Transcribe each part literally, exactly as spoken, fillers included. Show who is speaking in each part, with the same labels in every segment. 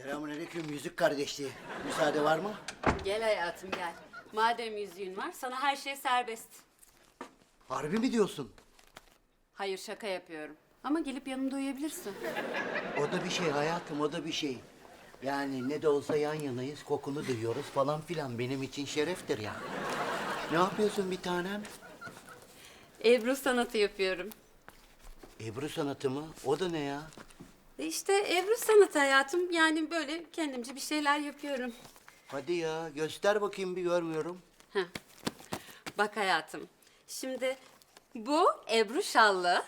Speaker 1: Selamünaleyküm yüzük kardeşliği. Müsaade var mı?
Speaker 2: Gel hayatım gel. Madem yüzüğün var sana her şey serbest.
Speaker 1: Harbi mi diyorsun?
Speaker 2: Hayır şaka yapıyorum. Ama gelip yanımda uyuyabilirsin.
Speaker 1: O da bir şey hayatım, o da bir şey. Yani ne de olsa yan yanayız, kokunu duyuyoruz falan filan. Benim için şereftir ya. Ne yapıyorsun bir tanem?
Speaker 2: Ebru sanatı yapıyorum.
Speaker 1: Ebru sanatı mı? O da ne ya?
Speaker 2: E İşte Ebru sanatı hayatım. Yani böyle kendimce bir şeyler yapıyorum.
Speaker 1: Hadi ya, göster bakayım bir görmüyorum.
Speaker 2: Heh. Bak hayatım. Şimdi bu Ebru Şallı.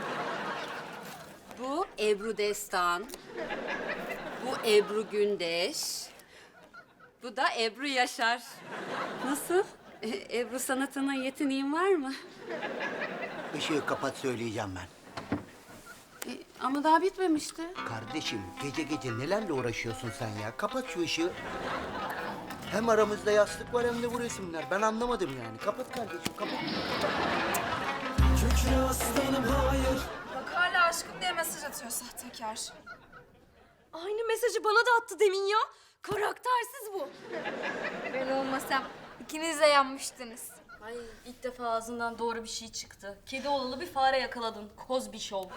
Speaker 2: Bu Ebru Destan. Bu Ebru Gündeş. Bu da Ebru Yaşar. Nasıl? E, Ebru sanatına yeteneğin var mı?
Speaker 1: Işığı kapat söyleyeceğim ben.
Speaker 2: E, ama daha bitmemişti.
Speaker 1: Kardeşim, gece gece nelerle uğraşıyorsun sen ya? Kapat şu ışığı. Hem aramızda yastık var hem de bu resimler. Ben anlamadım yani. Kapat kardeşim, kapat.
Speaker 3: Kükre aslanım hayır.
Speaker 4: Bak hala aşkım diye mesaj atıyor sahtekar.
Speaker 5: Aynı mesajı bana da attı demin ya. Karaktersiz bu.
Speaker 4: Ben olmasam ikiniz de yanmıştınız.
Speaker 5: Ay ilk defa ağzından doğru bir şey çıktı. Kedi olalı bir fare yakaladın. Kozbi Show.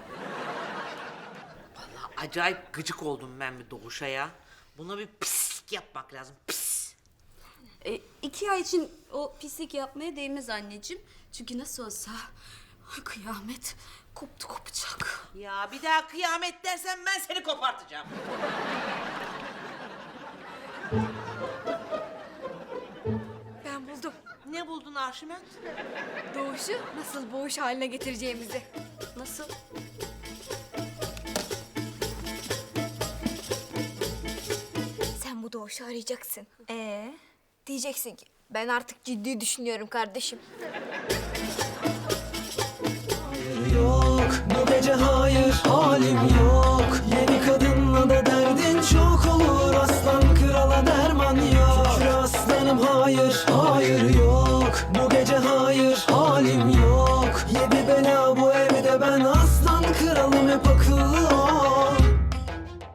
Speaker 6: Acayip gıcık oldum ben bir Doğuş'a ya. Buna bir pislik yapmak lazım, pis.
Speaker 2: E, iki ay için o pislik yapmaya değmez anneciğim. Çünkü nasıl olsa kıyamet koptu kopacak.
Speaker 6: Ya bir daha kıyamet dersen ben seni kopartacağım.
Speaker 4: Ben buldum.
Speaker 6: Ne buldun Arşimet?
Speaker 4: Doğuşu nasıl boğuş haline getireceğimizi.
Speaker 2: Nasıl?
Speaker 4: Sen bu doğuşu arayacaksın. Ee? Diyeceksin ki ben artık ciddi düşünüyorum kardeşim.
Speaker 3: Yok bu gece hayır. Hala